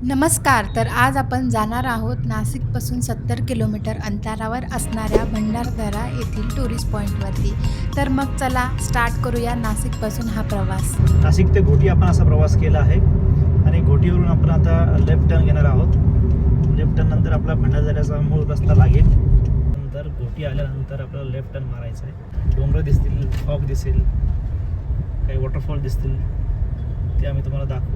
नमस्कार. तर आज आपण जाणार आहोत नाशिकपासून 70 किलोमीटर अंतरावर असणाऱ्या भंडारदरा येथील टुरिस्ट पॉईंटवरती. तर मग चला स्टार्ट करूया नाशिकपासून हा प्रवास. नाशिक ते घोटी आपण असा प्रवास केला आहे आणि घोटीवरून आपण आता लेफ्ट टर्न घेणार आहोत. लेफ्ट टर्न नंतर आपला भंडारदऱ्याचा मूळ रस्ता लागेल. नंतर घोटी आल्यानंतर आपल्याला लेफ्ट टर्न मारायचा आहे. डोंगर दिसतील, फॉग दिसेल, काही वॉटरफॉल दिसतील, ते आम्ही तुम्हाला दाखवू.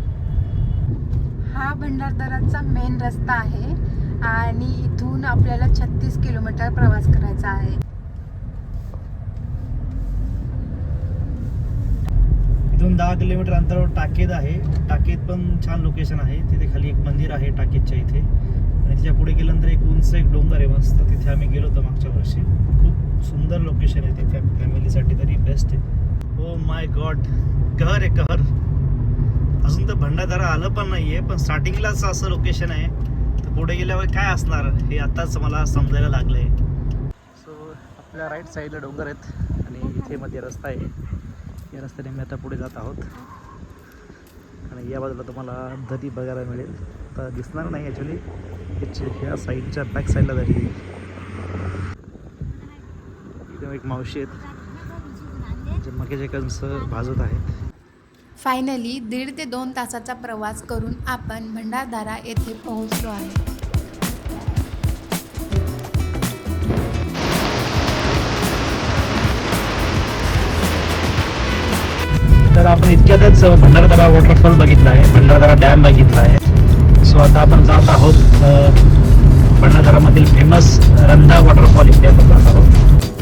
हा भंडारदराचा मेन रस्ता आहे आणि इथून आपल्याला 36 किलोमीटर प्रवास करायचा आहे. इथून 10 किलोमीटर अंतरावर टाकेद आहे. टाकेद पण छान लोकेशन आहे. तिथे खाली एक मंदिर आहे टाकेदच्या इथे आणि तिच्या पुढे गेल्यानंतर एक उंच एक डोंगर आहे मस्त. तिथे आम्ही गेलो होतो मागच्या वर्षी. खूप सुंदर लोकेशन आहे ते, फॅमिलीसाठी तरी बेस्ट आहे. ओ माय गॉड, कहर आहे कहर. अजून तर भंडारदरा आलं पण नाहीये, पण स्टार्टिंगलाच असं लोकेशन आहे. तर पुढे गेल्यावर काय असणार हे आताच मला समजायला लागलंय. सो आपल्या राईट साईडला डोंगर आहेत आणि इथे मध्ये रस्ता आहे. या रस्त्याने मी आता पुढे जात आहोत आणि या बाजूला तुम्हाला दरी बघायला मिळेल. तर दिसणार नाही ॲक्च्युली, ह्या साईडच्या बॅक साईडला दरी आहे. इथे एक मावशी आहेत जे मक्याचे कणस भाजत आहेत. फायनली 1.5 ते 2 तासाचा प्रवास करून आपण भंडारदरा येथे पोहोचलो आहे. तर आपण इतक्यातच भंडारदरा वॉटरफॉल बघितला आहे, भंडारदरा डॅम बघितला आहे. सो आता आपण जात आहोत भंडारदरामधील फेमस रंधा वॉटरफॉल इथे आपण जात आहोत.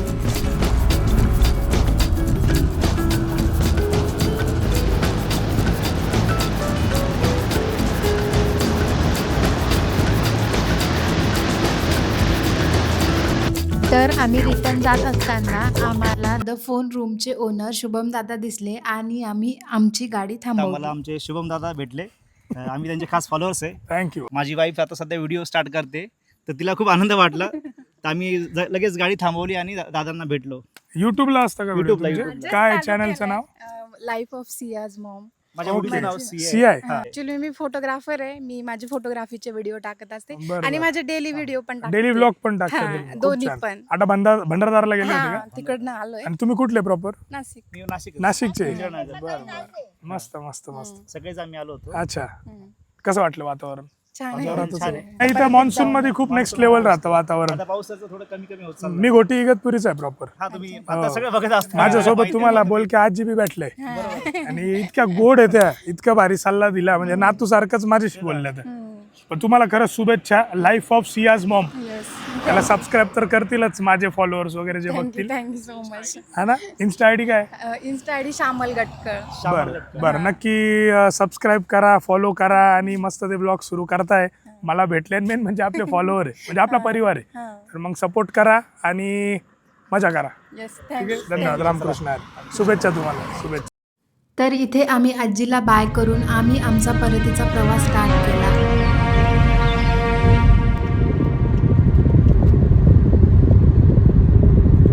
तर आम्ही रिटर्न जात असताना आम्हाला द फोन रूमचे ओनर शुभम दादा दिसले आणि आम्ही आमची गाडी मला थांबवली. आमचे शुभम दादा भेटले. आम्ही त्यांचे खास फॉलोअर्स आहे. थँक्यू. माझी वाईफ आता सध्या व्हिडिओ स्टार्ट करते, तर तिला खूप आनंद वाटला. तर आम्ही लगेच गाडी थांबवली आणि दादांना भेटलो. युट्यूबला असतं का YouTube ला, व्हिडिओ? YouTube ला. काय चॅनलचं नाव? Life of Siya's mom. माझ्या Okay. मुलीचं नाव CI. हा. ऍक्च्युली मी फोटोग्राफर आहे. मी माझे फोटोग्राफीचे व्हिडिओ टाकत असते बरं, आणि बरं. माझे डेली व्हिडिओ पण टाकते. डेली ब्लॉग पण हा, टाकतो. खूप दोन्ही छान. पण. आता भंडारदारला गेले होते हा, का? तिकडनं आलोय. आणि तुम्ही कुठले प्रॉपर? नाशिक. मी नाशिक नाशिकचे. बरं. मस्त मस्त मस्त. सगळेच आम्ही आलो होतो. अच्छा, हम्म. कसं वाटलं वातावरण? छान वातावरणातच छान आहे. आहे. नाही, इथं मान्सून मध्ये खूप नेक्स्ट लेवल राहतं वातावरण. आता पावसाचं थोडं कमी कमी होत चाललं. मी घोटी इगतपुरीचा आहे प्रॉपर. हा, तुम्ही आता सगळं बघत असता. माझ्यासोबत तुम्हाला बोल की आजी बी भेटले आणि इतक्या गोड आहे त्या, इतका भारी सल्ला दिला म्हणजे नातू सारखंच माझ्याशी बोलल्या त्या. पण तुम्हाला खरंच शुभेच्छा. लाईफ ऑफ सियाज मॉम, त्याला सबस्क्राईब तर करतीलच माझे फॉलोअर्स वगैरे जे बघतील. Thank you so much. हा ना. इन्स्टा आयडी काय? Insta ID Shyamal Gatkar. बरं बरं, नक्की सबस्क्राईब करा, फॉलो करा आणि मस्त ते ब्लॉग सुरू करताय. मला भेटले मेन म्हणजे आपले फॉलोअर आहे, म्हणजे आपला परिवार आहे. तर मग सपोर्ट करा आणि मजा करा. येस, ठीक आहे, थँक्यू. धन्यवाद. रामकृष्ण हरी. शुभेच्छा तुम्हाला, शुभेच्छा. तर इथे आम्ही आजीला बाय करून आम्ही आमचा परतीचा प्रवास स्टार्ट केला.